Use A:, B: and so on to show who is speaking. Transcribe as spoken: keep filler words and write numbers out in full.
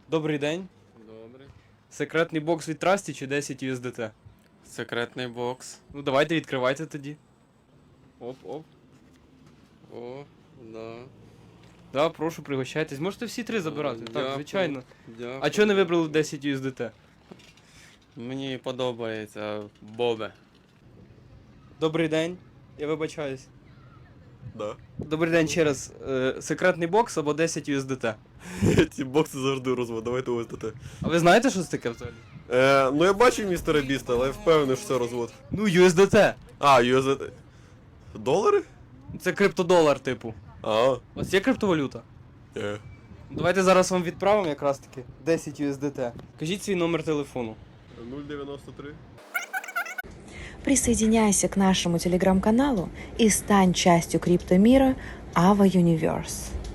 A: Добрий день.
B: Добре.
A: Секретний бокс від Трасті чи десять ю ес ді ти?
B: Секретний бокс.
A: Ну давайте відкривайте тоді. Оп-оп.
B: О, да.
A: Да, прошу, пригощайтесь. Можете всі три забирати. Так,
B: Дякую.
A: звичайно.
B: Дякую.
A: А чого не вибрали десять ю ес ді ти?
B: Мені подобається Бобе.
A: Добрий день. Я вибачаюсь.
C: Да.
A: Добрий день ще раз. Е, секретний бокс або десять ю ес ді ти.
C: Ці бокси завжди розвод, давайте ось ОСДТ.
A: А ви знаєте, що це таке взагалі?
C: Е, ну я бачив містера Біста, але я впевнений, що це розвод.
A: Ну, ю ес ді ти.
C: А, ю ес ді ти. Долари?
A: Це криптодолар, типу.
C: А,
A: У вас є криптовалюта?
C: е.
A: Давайте зараз вам відправимо якраз таки десять ю ес ді ти. Кажіть свій номер телефону.
C: нуль дев'яносто три.
D: Присоединяйся к нашему телеграм-каналу и стань частью криптомира Ava Universe.